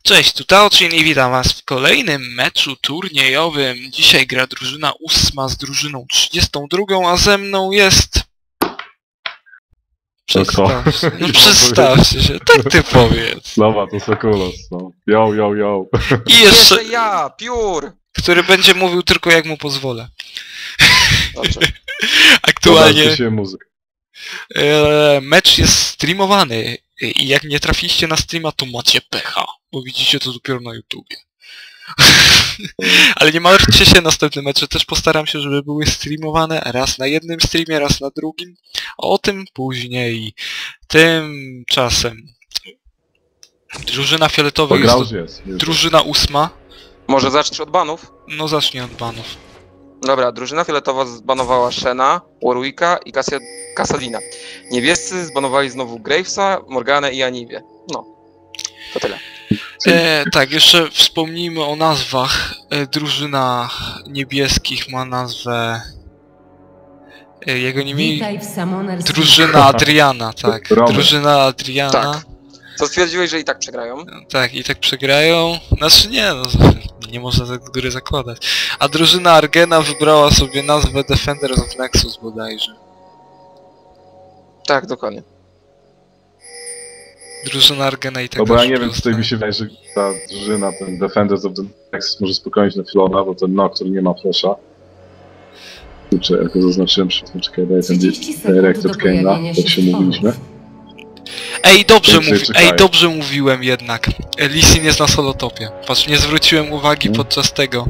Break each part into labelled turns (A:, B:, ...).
A: Cześć, tu Taochin i witam was w kolejnym meczu turniejowym. Dzisiaj gra drużyna 8 z drużyną 32, a ze mną jest... Przedstawcie, no przedstawcie się, tak ty powiedz.
B: Dobra, to Sekulos, no. Yo.
A: I jeszcze,
C: ja, Piór!
A: który będzie mówił tylko jak mu pozwolę.
C: Dobrze.
A: Aktualnie
B: Dobra, się muzyk.
A: mecz jest streamowany i jak nie trafiliście na streama, to macie pecha, bo widzicie to dopiero na YouTubie. Ale nie martwcie się, następne mecze też postaram się, żeby były streamowane raz na jednym streamie, raz na drugim, a o tym później. Tymczasem drużyna fioletowa jest drużyna 8.
C: Może zaczniesz od banów?
A: No zacznij od banów.
C: Dobra, drużyna fioletowa zbanowała Shena, Warwicka i Kassadina. Niebiescy zbanowali znowu Gravesa, Morganę i Anivię. No, to tyle.
A: Tak, jeszcze wspomnijmy o nazwach. Drużyna niebieskich ma nazwę... Jego nie mieli... Drużyna Adriana, tak. Drużyna Adriana.
C: Tak. Co stwierdziłeś, że i tak przegrają?
A: Tak, i tak przegrają. Znaczy nie, no nie można tak z góry zakładać. A drużyna Argena wybrała sobie nazwę Defenders of Nexus bodajże.
C: Tak, dokładnie.
A: Drużyna Argena i tak.
B: No bo ja nie wiem, tutaj mi się wydaje, że ta drużyna, ten Defenders of the Nexus może spokojnie na Filona, bo ten Nocturne nie ma flasha. Kurczę, jak go zaznaczyłem przed tym, czekaj, daję ten Directed Kane'a, jak się mówiliśmy.
A: Dobrze mówiłem jednak. Lee Sin jest na solotopie. Patrz, nie zwróciłem uwagi podczas tego.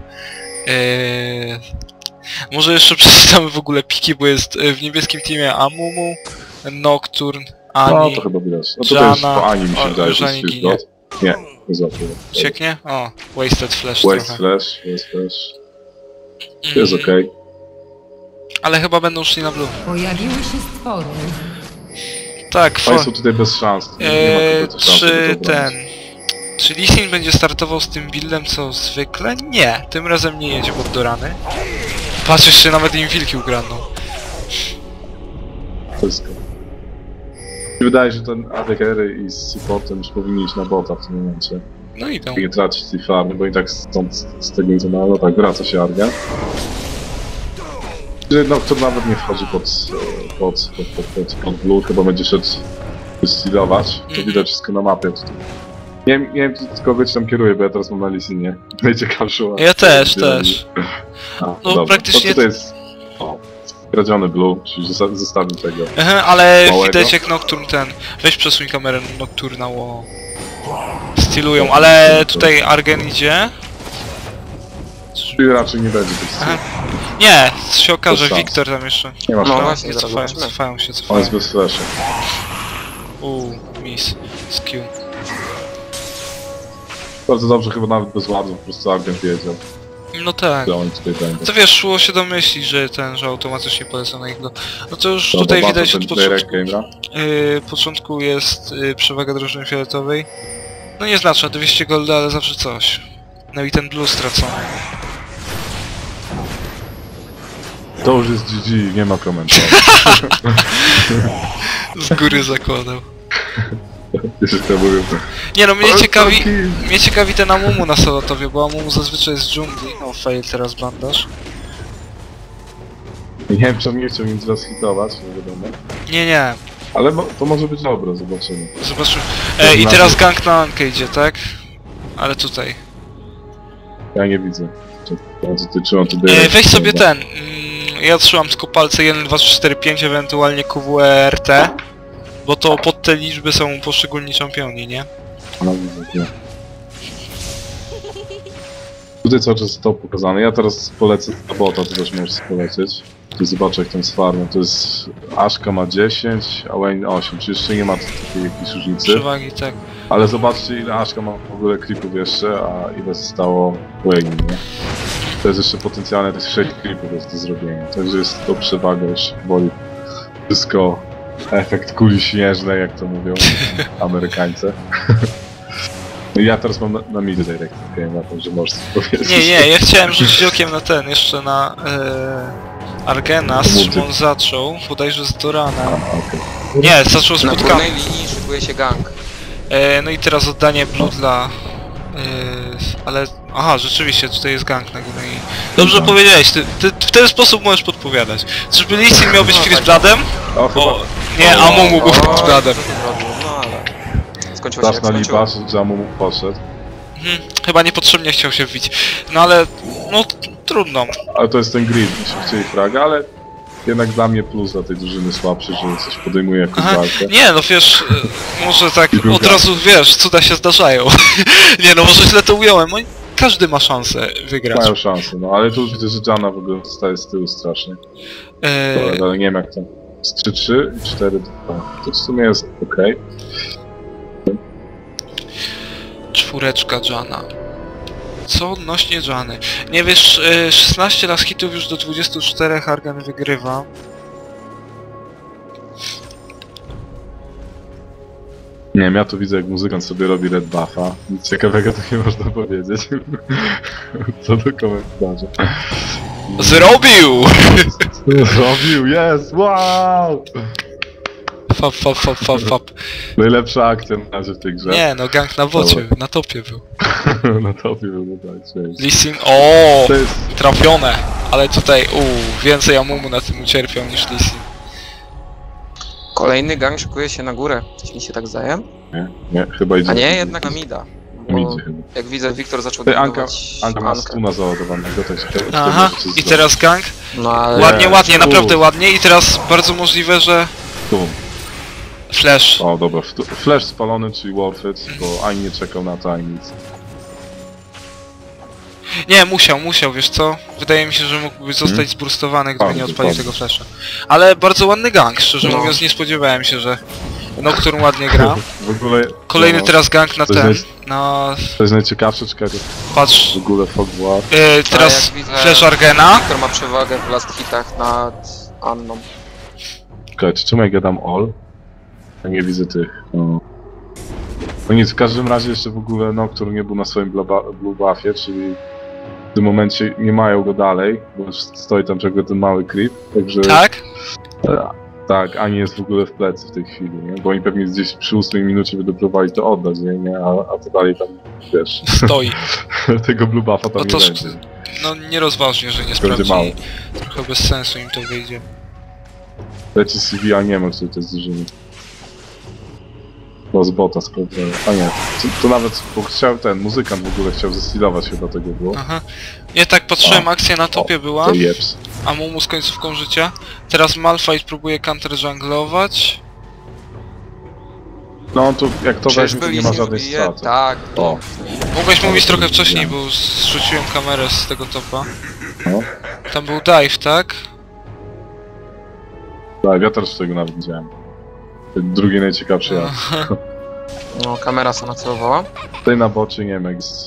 A: Może jeszcze przeczytamy w ogóle piki, bo jest w niebieskim teamie Amumu, Nocturne, Ani,
B: no to chyba widać. No to
A: Jana,
B: jest po Ani mi się wydaje, że jest
A: ginie.
B: Nie, nie zaczął.
A: Cieknie? O, Wasted Flash
B: Waste
A: trochę.
B: Flash. Jest okej.
A: Ale chyba będą szli na blue.
D: Pojawiły się stwory.
A: Tak,
B: Państwo tutaj bez szans. Nie ma kompletnie szans, żeby to obronić.
A: Czy Lee Sin będzie startował z tym buildem co zwykle? Nie, tym razem nie jedzie pod do rany. Patrz, jeszcze nawet im wilki ukradną.
B: Wszystko. Mi wydaje, że ten ADKR i z supportem już powinni iść na bota w tym momencie.
A: No idą.
B: Nie tracić tej farmy, bo i tak stąd z tego nic mało. Tak, wraca się Argen. No, to nawet nie wchodzi pod blue, chyba będzie szedł stealować. To widać wszystko na mapie tutaj. Nie wiem, tylko wiecie, tam kieruje, bo ja teraz mam na Lisinie. Najciekawszy.
A: Ja też.
B: No
A: dobra. Praktycznie...
B: To tutaj jest... Kradziony blue, czyli zostawił tego.
A: Ale
B: małego.
A: widać jak Nocturne ten... Weź przesuń kamerę Nocturna, bo... Stylują, ale tutaj Argen idzie.
B: Czyli raczej nie będzie tych styl.
A: Nie, się okaże, Wiktor tam jeszcze.
B: Nie ma
C: No
B: szans.
C: właśnie,
A: Cofają się.
B: On jest bez flasha.
A: Miss. Skill.
B: Bardzo dobrze, chyba nawet bez ładu, po prostu Argen wiedział,
A: No tak.
B: że oni tutaj będą.
A: To wiesz, szło się domyślić, że automatycznie polecą na ich do... No to już
B: Dobra,
A: tutaj
B: bardzo
A: widać
B: ten
A: od początku.
B: Game'a.
A: Początku jest przewaga drużyny fioletowej. No nieznaczna, 200 golda, ale zawsze coś. No i ten blue stracony.
B: To już jest GG, nie ma komentarzy.
A: Z góry zakładał.
B: Jeszcze to mówię.
A: Nie no, mnie ciekawi ten Amumu na solotowie, bo Amumu zazwyczaj jest z dżungli. O, fail teraz bandaż.
B: Nie wiem, czy on nie chciał nic was hitować, nie wiadomo.
A: Nie.
B: Ale to może być dobre, zobaczymy.
A: Zobaczymy. I teraz gang na Ankę idzie, tak? Ale tutaj.
B: Ja nie widzę. Trzymam tu
A: Weź sobie ten. Ja trzymam tylko palce 1, 2, 3, 4, 5, ewentualnie QWERT. Bo to pod te liczby są poszczególni czempioni, nie?
B: No, widzę. Tutaj cały czas to pokazane. Ja teraz polecę na bota, to też możesz polecieć. Tu zobaczę jak tam z farmą. To jest... Ashka ma 10, a Wayne 8, czyli jeszcze nie ma takiej jakiejś różnicy.
A: Przewagi, tak.
B: Ale zobaczcie ile Ashka ma w ogóle creepów jeszcze, a ile zostało Wayne, nie? To jest jeszcze potencjalne tych 6 creepów jest do zrobienia. Także jest to przewaga już powoli. Wszystko... Efekt kuli śnieżnej, jak to mówią Amerykańcy. Ja teraz mam na mid direct game, także możesz coś powiedzieć.
A: Nie, ja chciałem rzucić okiem na ten, jeszcze na Argena, z czym on zaczął, bodajże z Dorana.
B: Okay.
A: Nie, zaczął z
C: Na
A: bootcampu.
C: górnej linii szykuje się gang.
A: No i teraz oddanie blue dla Ale... Aha, rzeczywiście, tutaj jest gang na górze i... Dobrze powiedziałeś, ty w ten sposób możesz podpowiadać. Czyżby Lee Sin miał być
C: No,
A: Chris
C: tak.
A: Bradem?
B: O, chyba...
A: O, nie, Amumu był Chris Bradem.
C: co ty zrobił? No ale... Skończyło się jak
B: Straszna
C: skończyło.
B: lipa, że Amumu poszedł.
A: Chyba niepotrzebnie chciał się wbić. No ale... No, trudno.
B: Ale to jest ten grid, jeśli chcieli fraga, ale... Jednak dla mnie plus dla tej drużyny słabszy, że coś podejmuje jakąś
A: Aha,
B: walkę.
A: nie, no wiesz, może tak
B: I był
A: od
B: gang.
A: razu, wiesz, cuda się zdarzają. Nie no, może źle to ująłem, każdy ma szansę wygrać.
B: Mają szansę, no ale tu już widzę, że Janna w ogóle zostaje z tyłu strasznie. Dobra, ale nie wiem jak to. Z 3-3 i 4-2. To w sumie jest okej.
A: Czwóreczka Jana. Co odnośnie Jany? Nie wiesz, 16 last hitów już do 24 Argan wygrywa.
B: Nie wiem, ja tu widzę jak muzykant sobie robi red buffa. Nic ciekawego to nie można powiedzieć. Co do komentarza.
A: Zrobił!
B: Zrobił, jest! Wow!
A: Fap.
B: Najlepsza akcja na razie w tej grze.
A: Nie no, gang na bocie, na topie był.
B: Na topie był, no tak, cześć.
A: Lee Sin, o,
B: To jest...
A: trafione. Ale tutaj, więcej Amumu na tym ucierpiał niż Lee Sin.
C: Kolejny gang szykuje się na górę. Coś mi się tak zdaje?
B: Nie, chyba idzie.
C: A nie, jednak na mida.
B: Nie
C: Bo
B: idzie chyba.
C: jak widzę, Wiktor zaczął
B: Ty,
C: budować
B: Anka ma
C: Ankę.
B: stuna załadowanego, to się
A: Aha, i teraz gang.
C: No ale...
A: Ładnie, ładnie,
B: Uf.
A: naprawdę ładnie. I teraz bardzo możliwe, że...
B: Tu.
A: Flash.
B: O, dobra, flash spalony, czyli worth it, bo ani nie czekał na to, ani nic.
A: Nie, musiał, wiesz co? Wydaje mi się, że mógłby zostać zburstowany, gdyby
B: A,
A: nie odpalił
B: dokładnie.
A: tego flasha. Ale bardzo ładny gang, szczerze
C: No.
A: mówiąc nie spodziewałem się, że Nocturne ładnie gra.
B: W ogóle...
A: Kolejny
B: no,
A: teraz gang na
B: To
A: ten,
B: jest-
A: na...
B: To jest najciekawsze, czekaj, to
A: Patrz,
B: w ogóle Fog War.
A: teraz
C: jak widzę-
A: flash Argena.
C: Wiktor ma przewagę w last hitach nad Anną.
B: Czekaj, czemu ja gadam all? Ja nie widzę tych, no. No nic, w każdym razie jeszcze w ogóle Nocturne nie był na swoim blue buffie, czyli w tym momencie nie mają go dalej, bo już stoi tam czego ten mały creep, także...
A: Tak?
B: Tak, Ani jest w ogóle w plecy w tej chwili, nie? Bo oni pewnie gdzieś przy 8 minucie będą próbowali to oddać, nie? A to dalej tam, wiesz,
A: Stoi.
B: tego blue buffa tam
A: No to
B: nie będzie.
A: No nierozważnie, że nie
B: Będzie mało.
A: sprawdzili. Trochę bez sensu im to wyjdzie.
B: Leci CV, a nie ma, który to jest drużyny. No z bota sprawdzałem. A nie, to nawet, bo chciał ten muzykant w ogóle chciał zestilować chyba tego było.
A: Aha. Nie tak patrzyłem,
B: O,
A: akcja na topie była.
B: To jeps.
A: Amumu z końcówką życia. Teraz Malphite próbuje counter junglować.
B: No to jak to weźmie, to
C: Czyżby
B: nie ma
C: Lee Sin
B: żadnej
C: zabije?
B: straty.
C: Tak.
B: O,
A: Mogłeś mówić
B: to
A: trochę
B: widziałem.
A: wcześniej, bo zrzuciłem kamerę z tego topa.
B: no.
A: Tam był dive, tak?
B: Tak, ja też tego nawet widziałem. Drugi najciekawszy ja.
C: No, kamera sobie nacelowała.
B: Tutaj na bocie nie wiem jak jest...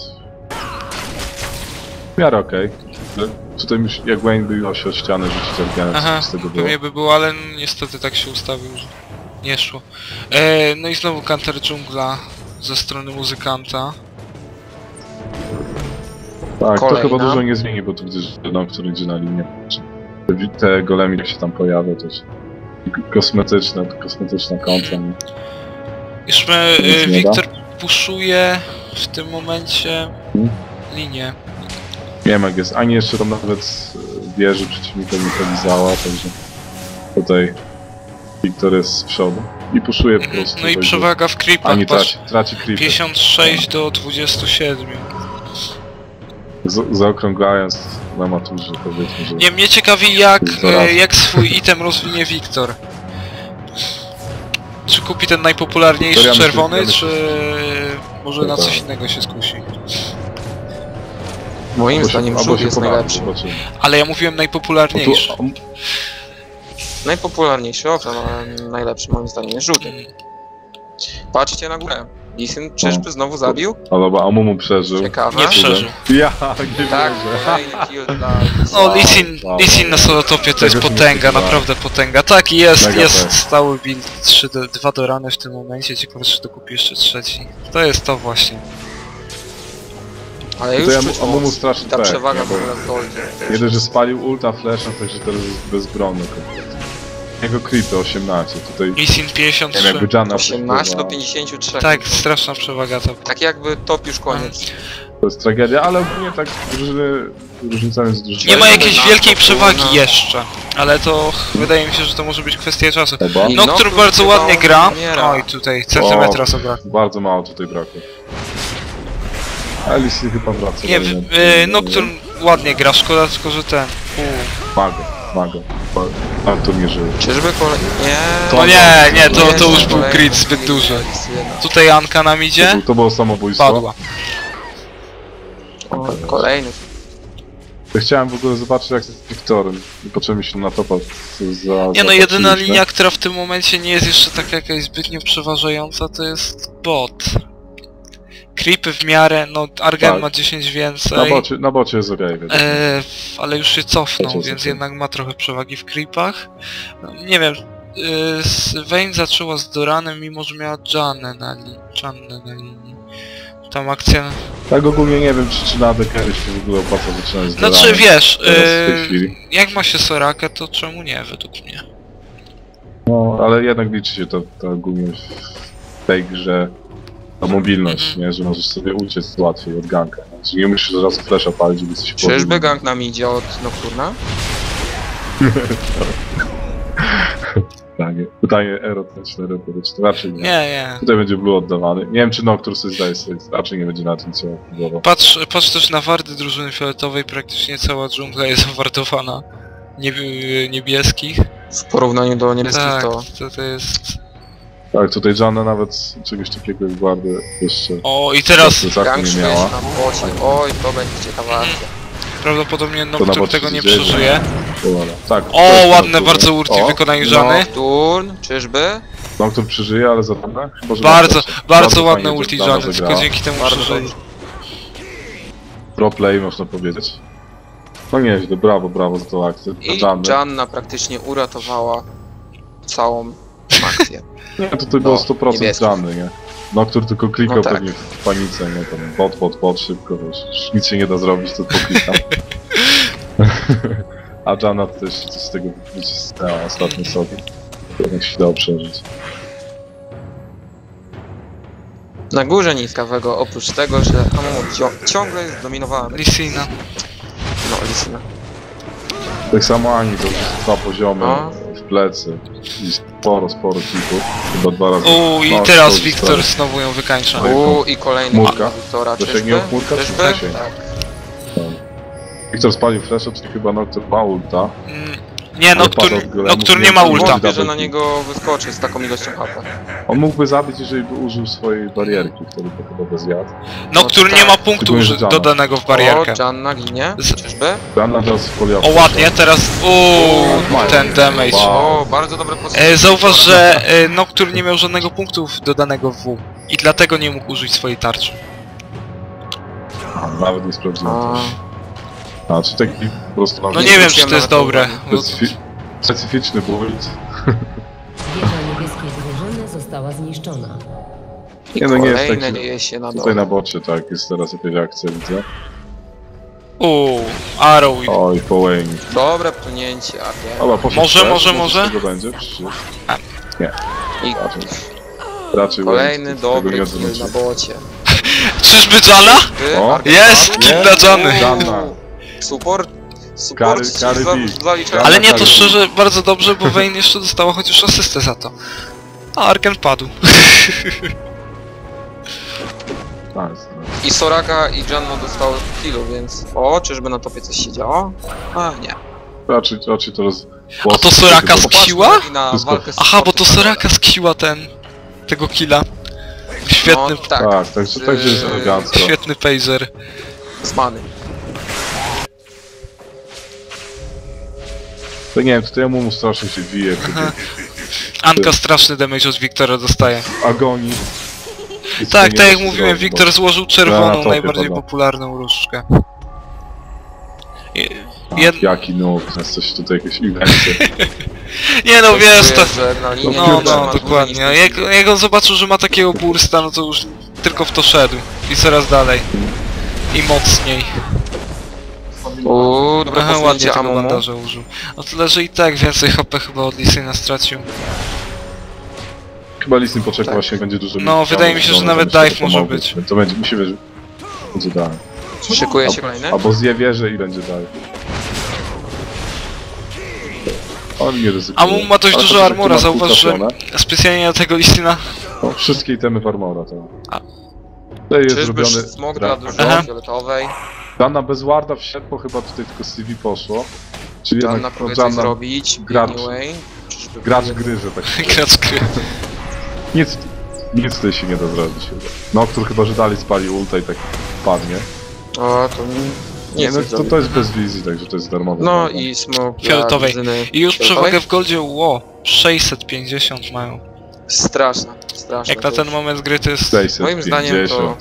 B: W miarę okej. Tutaj jak Wayne by miał się od ściany rzucić organem,
A: Aha,
B: z tego było.
A: pewnie by było, ale niestety tak się ustawił, że nie szło. No i znowu counter dżungla ze strony muzykanta.
B: Tak, to
C: Kolejna.
B: chyba dużo nie zmieni, bo tu widzę, że Nocturne idzie na linię. Te golemy jak się tam pojawią, to jest kosmetyczna kontra. Nie?
A: Już
B: Nic nie
A: Wiktor puszuje w tym momencie
B: Hmm?
A: linię.
B: Nie wiem jak jest, ani jeszcze tam nawet wieży przeciwnika nie polizała, także tutaj Wiktor jest z przodu i puszuje po prostu.
A: No i
B: także
A: przewaga w creepach,
B: Ani
A: patrz,
B: traci creepy.
A: 56 do 27.
B: Zaokrąglając na maturze powiedzmy, że...
A: Nie, mnie ciekawi
B: Zaraz.
A: jak swój item rozwinie Wiktor. Czy kupi ten najpopularniejszy
B: To ja myślę-
A: czerwony,
B: ja myślę,
A: czy może na
B: tak.
A: coś innego się skusi?
C: Moim
B: Albo się-
C: zdaniem
B: albo
C: żółw
B: się
C: jest
B: pobawi,
C: najlepszy.
B: zobaczymy.
A: Ale ja mówiłem
B: Bo
A: najpopularniejszy.
B: tu,
C: Najpopularniejszy, owszem, ale najlepszy moim zdaniem jest żółty. Patrzcie na górę. Lee Sin czyżby znowu zabił?
B: ale Amumu przeżył.
C: Ciekawe.
A: Nie przeżył.
B: Ja, nie
C: Tak,
B: wierzę.
C: kolejny kill dla...
A: No, Lee Sin na solotopie to jest
B: Tego się nie
A: potęga,
B: spodziewałem.
A: naprawdę potęga. Tak, jest
B: Mega fest.
A: stały build 2 do rany w tym momencie, ciekawe czy dokupi jeszcze trzeci. To jest to właśnie.
C: Ale
B: To
C: już
B: ja
C: czuć
B: Amumu
C: moc.
B: strasznie
C: I ta
B: tak,
C: przewaga
B: nie,
C: w
B: bo-
C: ogóle w goldzie.
B: Nie dość, że spalił ulta, flasha, także teraz jest bezbronny kompletnie. jego creepy 18, tutaj...
A: Lee Sin
B: Nie
A: 53.
B: wiem, jakby Janna
C: 18 do
B: wpływa.
C: 53.
A: Tak,
C: no.
A: straszna przewaga to.
C: Tak jakby top już koniec.
B: To jest tragedia, ale ogólnie tak różnica między drużynami.
A: Nie ma jakiejś
C: na-
A: wielkiej
C: na-
A: przewagi jeszcze, ale to wydaje mi się, że to może być kwestia czasu.
B: Chyba.
C: I
A: Nocturne
C: Nocturne
A: bardzo
C: chyba
A: ładnie gra.
C: umiera.
A: Oj, tutaj centymetra zabrakło.
B: Bardzo mało tutaj brakło. Alice chyba wraca.
A: Nie,
B: dalej.
A: Nocturne ładnie gra, szkoda tylko, że ten...
B: Mago. Artur nie żyje.
C: Czyżby kolej... Nie.
A: No nie, to
C: Jeszcze
A: już był
C: kolejny
A: grid zbyt duży.
C: jednak.
A: Tutaj Anka nam idzie,
B: To było samobójstwo.
A: padła.
C: O, kolejny.
B: Ja chciałem w ogóle zobaczyć jak z Wiktorem i poczułem się na topa
A: Nie no, jedyna linia, która w tym momencie nie jest jeszcze taka jakaś zbytnio przeważająca, to jest bot. Creepy w miarę, no Argen
B: Tak.
A: ma 10 więcej,
B: Na bocie jest okej,
A: ale już się cofnął,
B: Cofnął.
A: więc jednak ma trochę przewagi w creepach. No, nie wiem, Vayne zaczęła z Doranem, mimo że miała Jannę na linii. Tam akcja...
B: Tak ogólnie nie wiem czy na AD carry się w ogóle opłaca zaczynać z
A: Znaczy
B: Doranem.
A: wiesz,
B: Teraz w tej chwili.
A: jak ma się Sorakę, to czemu nie, według mnie.
B: No, ale jednak liczy się to ogólnie w tej grze ta mobilność, nie? Że możesz sobie uciec łatwiej od ganka. Czyli nie musisz od razu flasha palić, żeby coś
C: Czyżby gang nam idzie od Nocturna?
B: Pytanie erotyczne, raczej nie.
A: Nie.
B: Tutaj będzie blue oddawany. Nie wiem czy Noctur sobie zdaje sobie, raczej nie będzie na tym co próbował.
A: Patrz też na wardy drużyny fioletowej, praktycznie cała dżungla jest wardowana niebieskich.
C: W porównaniu do niebieskich
A: Tak,
C: to...
A: to jest...
B: Tak, tutaj Janna nawet czegoś takiego jak guardy jeszcze
A: O, i teraz
C: Gang
B: nie
C: szukuje
B: miała.
C: się na bocie. Oj, to będzie ciekawa akcja.
A: prawdopodobnie
B: na
A: Nocturne
B: bocie
A: tego
B: się
A: nie
B: dzieje,
A: przeżyje.
B: Tak.
A: O,
B: też
A: ładne
B: Nocturne.
A: bardzo ulti
B: O,
A: wykonaniu Żany.
C: Nocturne, czyżby?
B: Noctur przeżyje, ale za Janna? Chyba, że
A: Bardzo
B: Bardzo
A: ładne
B: fajnie
A: ulti
B: Janna
A: Żany, tylko
B: zagrała.
A: dzięki temu
C: Bardzo
A: przeżyli.
C: dobrze.
B: Pro play można powiedzieć. No nieźle, brawo za tą akcję.
C: I
B: Janny.
C: Janna praktycznie uratowała całą akcję.
B: Nie, tutaj było 100%
C: niebieskich.
B: Janny, nie? Noctur tylko klikał
C: No tak.
B: pewnie w panice, nie? Tam bot, szybko, wiesz, nic się nie da zrobić, to poklikam. A Janna to też coś z tego wycisnęła ostatnio sobie. Jednak się dało przeżyć.
C: Na górze niskawego, oprócz tego, że Amumu ciągle jest zdominowany.
A: Lissina.
C: No, Lissina.
B: Tak samo Ani to już 2 poziomy
C: No.
B: w plecy i sporo klików. Chyba 2 razy.
A: I
B: No,
A: teraz
B: to
A: Wiktor
B: jest
A: znowu ją wykańcza.
B: Oj,
C: I kolejny
B: Murka.
C: Wiktora,
B: Zasięgnie
C: czyżby?
B: Murka, czy
C: Czyżby?
B: zasięg?
C: Tak.
B: Wiktor spalił flasha, czyli chyba Noctur ma ulta.
A: Nie,
B: Ale padł od golemu,
A: Nocturne nie ma
B: nie
A: ulta.
B: może.
C: Wątpię, że na niego wyskoczy z taką ilością HP.
B: On mógłby zabić, jeżeli by użył swojej barierki, wtedy to chyba bez jad.
A: Nocturne
C: No
A: nie
C: tak.
A: ma punktu
B: Szczególnie, że Janna.
A: dodanego w barierkę.
C: O, Janna ginie,
A: Z-
C: czyżby?
B: Janna teraz folia.
A: O, ładnie, teraz... ten damage.
B: Wow.
C: O, bardzo dobre pozycje.
A: Zauważ, że Nocturne nie miał żadnego punktu dodanego w W. I dlatego nie mógł użyć swojej tarczy.
B: Nawet nie sprawdziłem
C: A,
B: też. A, czy taki po prostu
A: No
B: nawet
A: nie wiem, czy
C: wróciłem
A: to jest
C: nawet
A: dobre.
B: specyficzny build.
D: Wieża niebieskiej drużyny została zniszczona.
C: I
B: Nie, no nie jest
C: kolejne
B: taki-
C: dzieje się na
B: Tutaj
C: dole.
B: na bocie, tak, jest teraz jakaś akcja, widzę.
A: Arrow.
B: Oj, po Wayne.
C: Dobre pchnięcie, Argen.
B: Dobra, poszedł
A: Może,
B: też,
A: może,
B: co
A: może?
B: z tego będzie? Przecież.
C: I
B: Raczej
C: kolejny
B: Wayne, tego
C: dobry
B: nie
C: kill na
B: odwróci.
C: bocie.
A: Czyżby Jana?
C: Ty,
B: O,
C: Argen
A: Jest!
C: padł?
A: Kill dla Jany!
B: Janna.
C: Support
B: Kary
C: ci
B: beat.
C: zaliczałem.
A: Ale nie, to
B: tak.
A: szczerze bardzo dobrze, bo Vayne jeszcze dostała chociaż asystę za to. A Arken padł.
B: Nice.
C: I Soraka i Janna dostały killu, więc... O, czyżby na topie coś się działo? A, nie.
B: Raczej to
A: A to Soraka z
B: Popatrz,
A: Kiła?
C: Popatrzmy na
B: Wszystko.
C: walkę z
A: Aha, bo to
C: supportem.
A: Soraka skiła tego killa. Świetny,
C: No, tak,
B: Tak, także jest elegancko.
A: świetny phaser.
C: z many.
B: To nie wiem, tutaj ja mu strasznie się wije,
A: Anka straszny damage od Wiktora dostaje.
B: agonii. I
A: Tak,
B: nie
A: tak jak
B: da się
A: mówiłem,
B: zrobić,
A: Wiktor złożył
B: Na
A: czerwoną,
B: topie
A: najbardziej
B: padła.
A: popularną różdżkę.
B: bo-
A: Jed...
B: Jaki noob, jest coś tutaj jakieś eventy.
A: Nie no wiesz, to...
C: Że na linię
A: No,
C: nie
A: no,
C: trzyma
A: dokładnie.
C: dłużej niż
A: Jak on zobaczył, że ma takiego bursta, no to już tylko w to szedł. I coraz dalej. I mocniej.
C: Dobre
A: Aha, ładnie
C: posunięcie
A: tego
C: Amumu.
A: bandaża użył. O tyle, że i tak więcej HP chyba od Lisyna stracił.
B: Chyba Lee Sin poczeka
C: Tak.
B: właśnie będzie dużo.
A: No,
B: mniej
A: wydaje mi się,
B: chciał,
A: że nawet
B: będzie
A: dive
B: to
A: może
B: pomogło.
A: być.
B: To będzie, musi być. Będzie dive.
C: Szykuje się kolejny.
B: Albo zje wieżę i będzie dive. On nie ryzykuje.
A: Amumu ma dość
B: Ale
A: dużo
B: to, że
A: armora,
B: tu ma
A: zauważ, że
B: trafione,
A: specjalnie na tego Lisyna...
B: no, wszystkie itemy w armora to.
A: A.
B: To jest
C: Czyżby
B: zrobiony.
C: smog dla
A: Aha.
C: dużo fioletowej?
B: Dana bez warda wsiadł, bo chyba tutaj tylko CV poszło. Czyli
C: Janna
B: jednak
C: próbuje
B: no,
C: coś
B: Janna,
C: zrobić.
B: gracz.
C: Anyway. Czyżby
B: gracz
C: próbuje-
B: gry, że tak powiem.
A: Gracz gry.
B: Nic tutaj się nie da zrobić chyba. No, który chyba, że dalej spali ulta i tak padnie.
C: O, to nie
B: no,
C: chcę
B: to jest bez wizji, także to jest darmowe.
C: No
B: prawda?
C: i smog dla
A: Fioletowej.
C: drużyny
A: I już
C: fioletowej?
A: przewagę w goldzie, 650 mają.
C: Straszna, straszna.
A: Jak na
C: to
A: ten
C: już.
A: moment gry to jest
B: 650.
C: Moim zdaniem to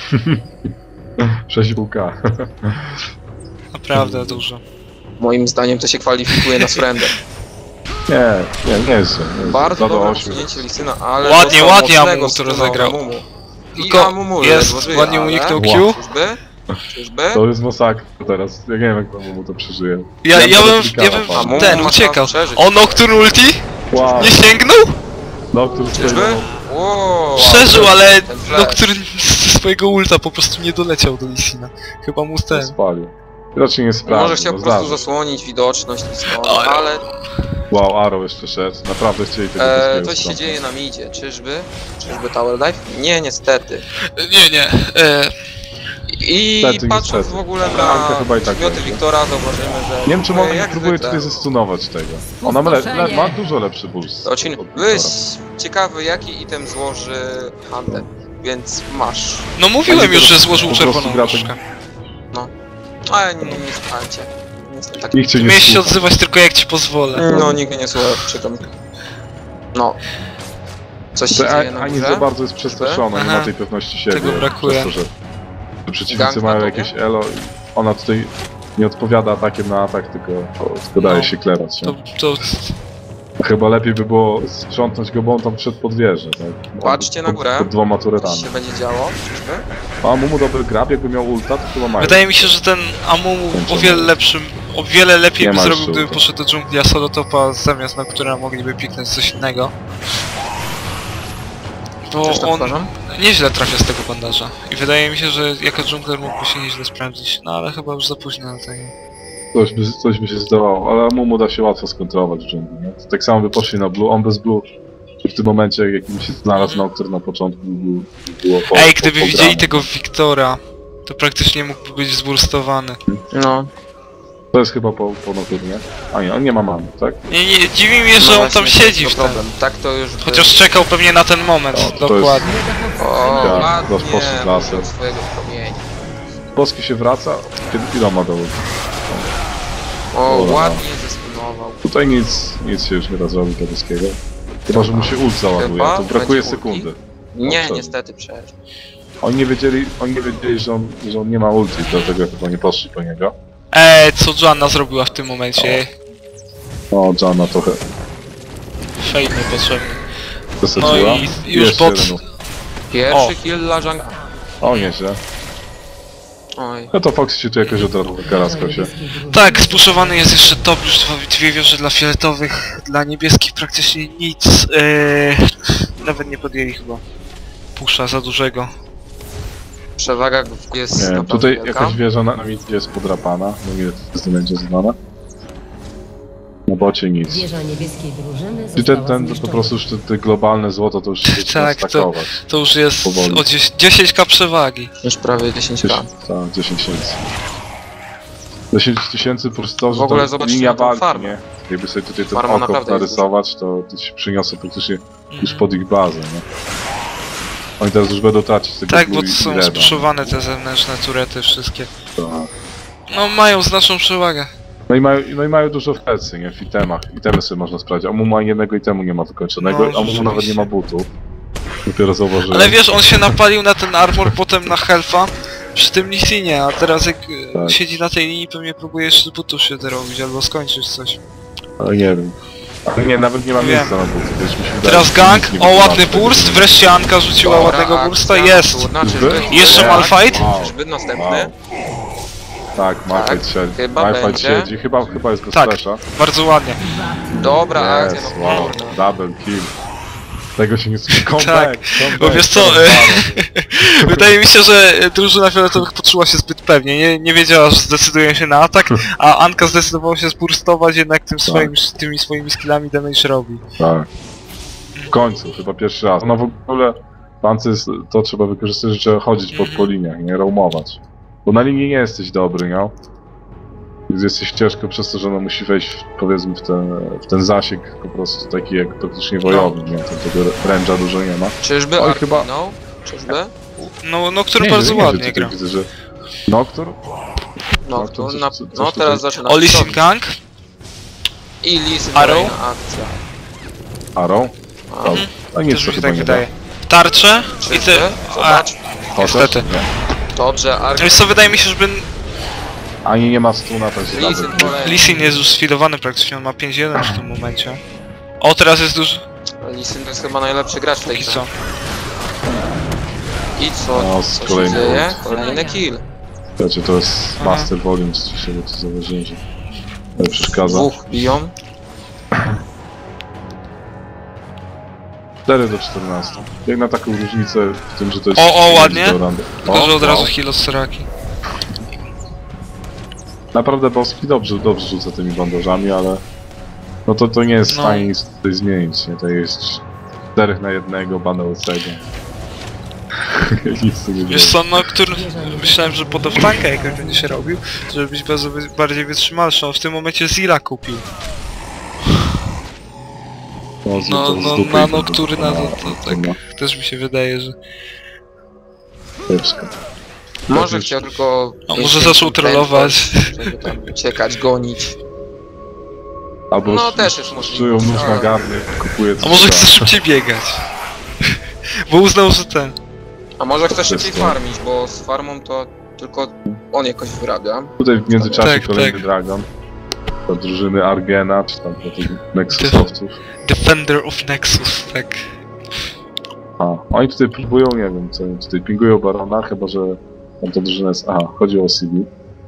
B: 6,5K.
A: naprawdę dużo.
C: Moim zdaniem to się kwalifikuje na surrender.
B: Nie jest.
C: Bardzo dobre
B: 8.
C: posunięcie Lisyna, ale
A: Ładnie,
C: dostał
A: ładnie
C: mocnego
A: Amumu to
C: stuna
A: rozegrał.
C: Amumu. I
A: Tylko
C: Amumu
A: jest,
C: ledwo żyje,
A: ładnie
C: ale-
A: uniknął
B: Wow.
A: Q.
C: Czyżby?
B: To jest masakra teraz. Ja nie wiem, jak mu to przeżyje.
A: Ja bym
C: Amumu
A: ten,
C: ma
A: uciekał.
C: szans przeżyć.
A: O, Nocturne ulti?
B: Wow.
A: Nie sięgnął?
B: No, który stoi
C: Czyżby?
B: na-
C: Wow,
A: Przeżył, ale
C: ten flash.
A: Nocturne ze swojego ulta po prostu nie doleciał do Lisina. Chyba mu ten...
B: spalił. Raczej nie sprawdził.
C: Może chciał po prostu zasłonić widoczność Lisina,
A: Ale-
C: ale
B: Wow, Arrow jeszcze szedł. Naprawdę chcieli tego wszystkiego
C: coś się
B: sprawdzić.
C: dzieje na midzie. Czyżby? Czyżby Tower Dive? Nie, niestety.
A: Nie.
C: I
B: Niestety,
C: patrząc
B: niestety.
C: w ogóle
B: Anka
C: na
B: chyba i tak
C: przedmioty
B: będzie.
C: Wiktora, zauważymy, że...
B: Nie wiem, czy ona nie
C: jak
B: próbuje
C: zwykle,
B: tutaj zestunować tego. Ona ma dużo lepszy boost.
C: To ci
B: od
C: byłeś
B: Wiktora.
C: ciekawy, jaki item złoży Hunter, więc masz.
A: No mówiłem
B: Będzie
A: już, że
B: po
A: złożył
B: prostu
A: czerwoną
B: gra tak-
A: różkę.
C: Ale nie słuchałem cię. Jestem taki...
B: Nikt cię nie
A: Miałeś się
B: słucha.
A: odzywać tylko jak ci pozwolę.
C: No, nikt mnie nie słucha, przykro mi. No. Coś się
B: To
C: dzieje na
B: Ani za
C: górze?
B: bardzo jest przestraszona, nie
A: Aha.
B: ma tej pewności siebie.
A: Tego brakuje.
B: Przez to, że przeciwnicy
C: Gang na
B: mają
C: tobie?
B: jakieś elo i ona tutaj nie odpowiada atakiem na atak, tylko daje
A: No.
B: się klerać. Nie?
A: To
B: Chyba lepiej by było sprzątnąć go, bo on tam wszedł pod wieżę. Tak?
C: Patrzcie na górę.
B: Pod 2
C: Coś
B: turetami.
C: się będzie działo, czyżby?
B: A Mumu dobry grab, jakby miał ulta, to chyba mają.
A: wydaje mi się, że ten Amumu o wiele lepiej
B: Nie
A: by
B: ma
A: zrobił,
B: jeszcze
A: gdyby
B: ulta.
A: poszedł do dżungli, a solo topa zamiast na która mogliby piknąć coś innego. Bo
C: Też tak
A: on
C: uważam.
A: nieźle trafia z tego bandaża. I wydaje mi się, że jako dżungler mógłby się nieźle sprawdzić. No ale chyba już za późno na tego.
B: Coś by się zdawało, ale Mumu da się łatwo skontrolować w dżungli. Nie? Tak samo by poszli na blue, on bez blue. W tym momencie, jakim się znalazł Nocturne na początku, było po,
A: Ej, gdyby
B: po
A: widzieli
B: graniu.
A: tego Wiktora, to praktycznie mógłby być zburstowany.
C: No.
B: To jest chyba po Nocturnie. A nie, on nie ma mamy, tak?
A: Nie, dziwi mnie, że
C: No
A: on tam
C: właśnie,
A: siedzi
C: to
A: w tym.
C: problem. Tak to już by...
A: Chociaż czekał pewnie na ten moment,
B: O, to jest-
A: dokładnie.
C: O,
B: Ja,
C: ładnie,
B: rozpoczął klasę.
C: użył swojego promienia.
B: Polski się wraca, kiedy ile ma do ulta?
C: O,
B: Dobra.
C: ładnie zestunował.
B: Tutaj nic się już nie da zrobić dla Polskiego. Chyba, że mu się ult załaduje,
C: Chyba
B: to brakuje
C: będzie ulti.
B: sekundy.
C: Nie,
B: Dobrze.
C: niestety przecież.
B: Oni nie wiedzieli, że on nie ma ulti, dlatego chyba nie poszli po niego.
A: Co Joanna zrobiła w tym momencie?
B: No, Janna trochę
A: Fej niepotrzebny.
B: wysadziła.
A: No i już
B: Jeszcze
A: bot.
B: jeden.
C: Pierwszy kill dla Jung...
B: O, nieźle.
C: Oj.
B: No to Fox się tu jakoś odarł, karaskał się.
A: Tak, spuszowany jest jeszcze top, już dwie wieże dla fioletowych, dla niebieskich praktycznie nic. Nawet nie podjęli chyba pusza za dużego.
C: Przewaga jest
B: Nie wiem,
C: naprawdę
B: tutaj
C: wielka.
B: jakaś wieża na midzie jest podrapana, no ile to będzie znane. Na bocie nic.
D: Wieża niebieskiej drużyny
B: I
D: została
B: ten po
D: zniszczona.
B: prostu już te globalne złoto to już się
A: Tak,
B: zaczyna stakować.
A: To już jest
B: Powoli.
A: o 10k przewagi.
C: Już prawie 10k.
B: Tak, 10 tysięcy. 10 tysięcy po prostu to, że
C: W ogóle
B: to
C: zobaczcie
B: linia
C: na tą
B: walki,
C: farmę.
B: nie? Jakby sobie tutaj ten
C: Farma
B: okop
C: naprawdę jest
B: narysować, to się przyniosło praktycznie już pod ich bazę, nie? Oni teraz już będą tracić tego
A: Tak,
B: blue
A: bo
B: i
A: są
B: reda.
A: spuszowane te zewnętrzne turety wszystkie.
B: Tak.
A: No mają znaczną przewagę.
B: No i mają dużo w plecy, nie? W itemach. Itemy sobie można sprawdzić. Amumu ani jednego itemu nie ma wykończonego,
A: No,
B: Amumu nawet
A: rzeczywiście.
B: nie ma butów. Dopiero zauważyłem.
A: Ale wiesz, on się napalił na ten armor, potem na health'a przy tym Lisinie, a teraz jak
B: Tak.
A: siedzi na tej linii, pewnie próbuje jeszcze z butów się dorobić albo skończyć coś.
B: Ale nie wiem. Ale nie, nawet nie ma
A: Wiem.
B: miejsca na butów, wiesz, mi się wydaje,
A: Teraz
B: że
A: gang,
B: nic nie
A: o ładny
B: wytłumaczy.
A: burst, wreszcie Anka rzuciła
C: Dobra,
A: ładnego
C: akcja
A: bursta, jest!
C: nocturna, czyżby?
B: Czyżby?
A: I jeszcze
C: Tak.
A: malfight?
B: Wow.
C: Czyżby następny?
B: Wow. Tak, Malphite siedzi.
C: chyba
B: Malphite
C: będzie.
B: siedzi, chyba jest bez
A: Tak.
B: flasha.
A: Bardzo ładnie.
C: Dobra akcja,
B: Yes,
C: no
B: wow,
C: kurna.
B: double kill. Tego się nie comeback,
A: Tak,
B: comeback,
A: bo wiesz co, wydaje mi się, że drużyna fioletowych poczuła się zbyt pewnie, nie wiedziała, że zdecydują się na atak, a Anka zdecydowała się zburstować, jednak tymi swoimi skillami damage robi.
B: Tak. W końcu, chyba pierwszy raz. No w ogóle Pancy to trzeba wykorzystać, że trzeba chodzić po liniach, nie roamować. Bo na linii nie jesteś dobry, nie? Więc jesteś ciężko przez to, że ona musi wejść, powiedzmy, w ten zasięg po prostu taki jak praktycznie wojowy, nie? Tego range'a dużo nie ma.
C: Czyżby
B: Oj,
C: Ark
B: chyba-
C: minął? Czyżby?
A: No który bardzo ładnie gra.
B: Widzę, że Noctur?
C: No,
B: to coś-
C: na,
B: coś
C: no
B: tutaj-
C: teraz zaczyna.
A: Oli Sim Gang,
C: I Lisy
A: Arrow?
C: kolejna akcja.
B: Arrow?
C: A,
B: No, no nic,
A: też
B: to
A: mi się
B: chyba
A: tak
B: nie
A: wydaje. Tarcze i
C: czyżby?
A: ty...
C: Zobacz.
B: da.
A: Niestety.
B: Nie.
C: Dobrze, Ark.
A: Wiesz co, wydaje mi się, żeby
B: Ani nie ma stuna, to jest
C: Lisy
B: double kill.
C: kolejna.
A: Lee Sin jest już sfidowany praktycznie, on ma 5-1 w tym momencie. O, teraz jest duży...
C: Lisy to jest chyba najlepszy gracz w tej
A: Póki
C: grze.
A: co.
C: I co?
B: No,
C: Co się
B: kolejny
C: dzieje?
B: punkt.
C: Kolejny kill.
B: Wiecie, to jest
A: Aha.
B: master volume, co się to zauważyłem, że nie przeszkadza.
C: Dwóch biją.
B: 4 do 14. Jak na taką różnicę w tym, że to jest...
A: O, ładnie.
B: do randy.
A: Tylko, że od
B: wow.
A: razu heal od Soraki.
B: Naprawdę Boski dobrze rzuca tymi bandażami, ale... No to nie jest w
A: No.
B: stanie nic tutaj zmienić, nie? To jest 4 na 1 bana łysego. Nic tu nie
A: Wiesz
B: zrobi.
A: co, no, który... Myślałem, że pod tankę jakoś będzie się robił, żeby być bardziej wytrzymalszy. On w tym momencie Zilla kupił. No, na Nocturna to tak też mi się wydaje, że...
B: Kiepsko.
C: Może
B: już-
C: chciał tylko...
A: A może zaczął trollować.
C: Żeby tam uciekać, gonić.
B: Albo
C: No, też jest możliwe.
B: czują nóż na
C: Ale-
B: garnie, kupuje
A: A może chce szybciej biegać? Bo uznał, że ten...
C: A może chce szybciej
B: Wszystko.
C: farmić, bo z farmą to tylko on jakoś wyrabia.
B: Tutaj w międzyczasie
A: Tak,
B: kolejny
A: tak.
B: Dragon. Do drużyny Argena, czy tam do tych Nexusowców.
A: Defender of Nexus, tak.
B: A, oni tutaj próbują, nie wiem, co oni tutaj pingują Barona, chyba że tam ta drużyna jest... Aha, chodzi o CB.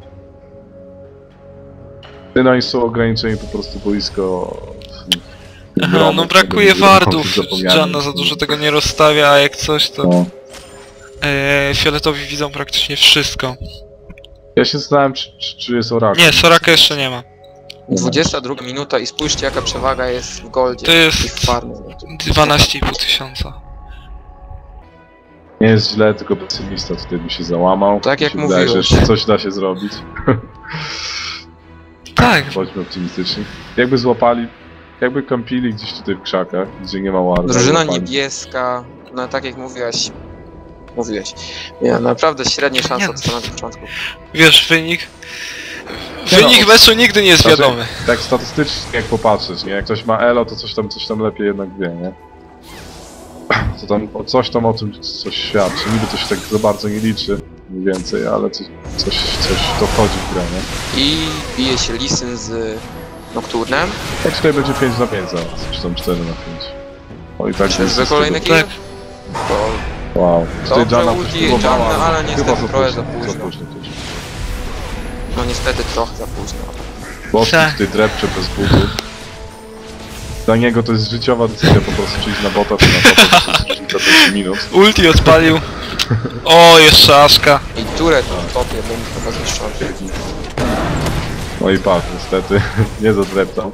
B: No i są ograniczeni po prostu boisko...
A: Aha, no brakuje wardów, Janna za dużo tego nie rozstawia, a jak coś to...
B: No.
A: Fioletowi widzą praktycznie wszystko.
B: Ja się zastanawiam, czy jest Oracle.
A: Nie, Soraka jeszcze nie ma.
C: 22 minuta i spójrzcie jaka przewaga jest w goldzie
A: To jest
C: i w farmie.
A: 12,5 tysiąca.
B: Nie jest źle, tylko pesymista tutaj by się załamał.
C: Tak jak
B: Mi się wydaje, że
C: mówiłeś.
B: jeszcze coś da się zrobić.
A: Tak,
B: Bądźmy optymistyczni. Jakby złapali, jakby kampili gdzieś tutaj w krzakach, gdzie nie ma warda.
C: Drużyna
B: złapali.
C: niebieska, no tak jak mówiłeś, miała naprawdę średnie szanse
A: Nie
C: od samego początku.
A: wiesz, wynik...
B: Nie no,
A: Wynik meczu nigdy nie jest
B: Znaczy,
A: wiadomy.
B: Tak statystycznie jak popatrzeć, nie? Jak ktoś ma elo, to coś tam lepiej jednak wie, nie? To tam, coś tam o tym coś świadczy. Niby to się tak za bardzo nie liczy, mniej więcej, ale coś to wchodzi w grę, nie?
C: I bije się Lisyn z Nocturnem.
B: Tak tutaj będzie 5 na 5 zaraz, czy tam 4 na 5. O i tak
C: Czyżby
B: jest
C: kolejny
B: tego-
C: kill?
A: Tak.
C: To
B: Wow. Tutaj
C: Dobrze,
B: Janna
C: ulti
B: coś próbowała,
C: Janny, ale niestety
B: chyba
C: trochę za
B: Za
C: późno.
B: późno też.
C: no niestety trochę za późno.
B: Boski
A: Tak.
B: tutaj drepcze bez butów. Dla niego to jest życiowa decyzja po prostu przyjść na bota, czy na topa, to jest różnica 5 minut.
A: Ulti odpalił. O, jeszcze Aszka.
C: I turret w topie będzie chyba zniszczony.
B: No i patrz, niestety, nie zadreptał.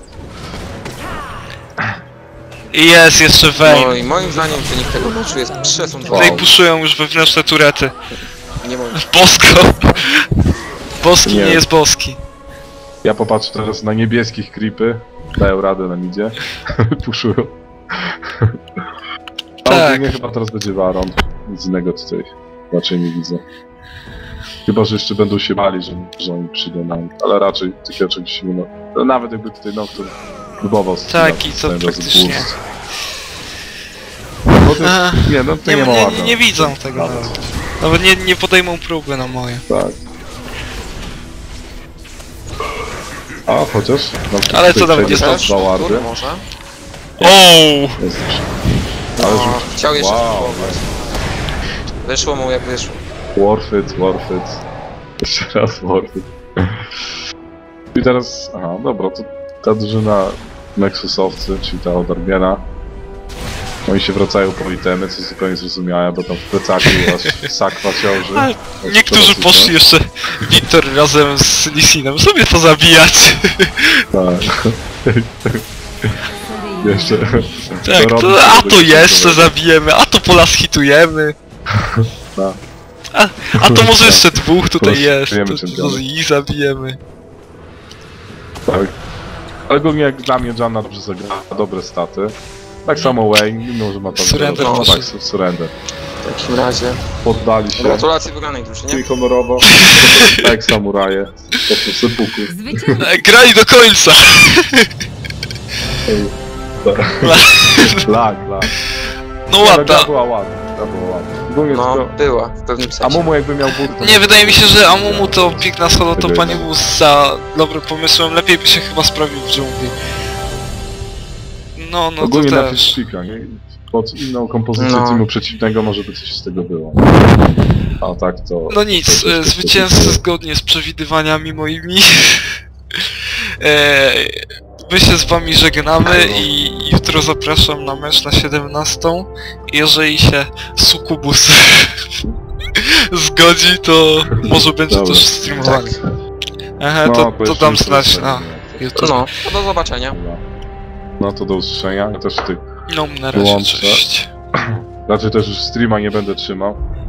A: I jest jeszcze
C: No
A: Vayne.
C: i moim zdaniem wynik tego meczu jest przesądzony.
A: Tutaj puszują już wewnętrzne turety.
C: Nie moim
A: Bosko. Boski
B: Nie.
A: nie jest boski.
B: Ja popatrzę teraz na niebieskich creepy. Dają radę na midzie. Puszują. A
A: Tak.
B: ogólnie chyba teraz będzie Baron. Nic innego tutaj raczej nie widzę. Chyba, że jeszcze będą się bali, że oni przyjdą na nich. Ale raczej takiego czegoś się nie ma. No, nawet jakby tutaj Nocturne próbował
A: Tak, i co
B: zamiast
A: praktycznie.
B: boost. No to
A: Aha.
B: jest, nie, no to nie, ma ładna.
A: nie widzą tego nawet. Nawet nie podejmą próby na moje.
B: Tak. A chociaż. No,
A: Ale
B: tutaj
A: co tam
B: przejdzie
A: będzie
B: teraz
C: też,
B: dwa wardy.
C: Nocturn może.
A: O!
B: Jest już. Ale
C: No,
B: rzuć.
C: chciał jeszcze
B: Wow,
C: spróbować. Wyszło mu jak wyszło.
B: Worth it. Jeszcze raz worth it. I teraz, aha, dobra, to ta drużyna Nexusowcy, czyli ta od Arbiena, oni się wracają po itemy, co jest zupełnie zrozumiałe, bo tam w plecaku aż sakwa ciąży.
A: Ale niektórzy poszli jeszcze, Wiktor razem z Lissinem, sobie to zabijać.
B: Tak. Jeszcze.
A: Tak,
B: robi
A: to, a
B: sobie
A: to
B: do
A: jeszcze
B: końca.
A: zabijemy, a to polas hitujemy.
B: Tak.
A: A to może jeszcze dwóch tutaj
B: Polas
A: jest,
B: hitujemy
A: to
B: czempiona.
A: i zabijemy.
B: Tak. Ale ogólnie jak dla mnie Janna dobrze zagrała, dobre staty. Tak samo Wayne, mimo że ma tam...
A: Surrender
B: no,
A: może.
B: tak, surrender.
C: W takim razie.
B: Poddali się.
C: Gratulacje wygranej drużynie.
B: Czyli honorowo. Tak jak samuraje. Po prostu sypuku.
D: Zwycięstwo.
A: Grali do końca!
B: Lag.
A: No
B: Ale
A: ładna.
B: gra była ładna. Ogólnie
C: No,
B: tylko...
C: była w pewnym
B: A
C: sensie.
B: Momo jakby miał buty, to...
A: Nie, wydaje mi się, że Amumu to piękna solo topa nie był za dobrym pomysłem, lepiej by się chyba sprawił w dżungli. No to
B: Ogólnie na
A: też.
B: Fishpika, nie? Pod inną kompozycję
C: No.
B: teamu przeciwnego może by coś z tego było. A tak to...
A: No nic,
B: to jest
A: zwycięzcy zgodnie z przewidywaniami moimi. My się z wami żegnamy i jutro zapraszam na mecz na 17. Jeżeli się Sukubus zgodzi, to może będzie
B: Dobra.
A: też streamowany.
C: Tak.
A: Aha,
B: No,
A: to
B: powiedzmy,
A: dam
B: że
A: znać
B: to
A: na
B: jest-
A: YouTube.
C: No, to do zobaczenia.
B: No to do usłyszenia. Ja też tych
A: No, na razie,
B: Wyłączę.
A: cześć.
B: raczej też już streama nie będę trzymał.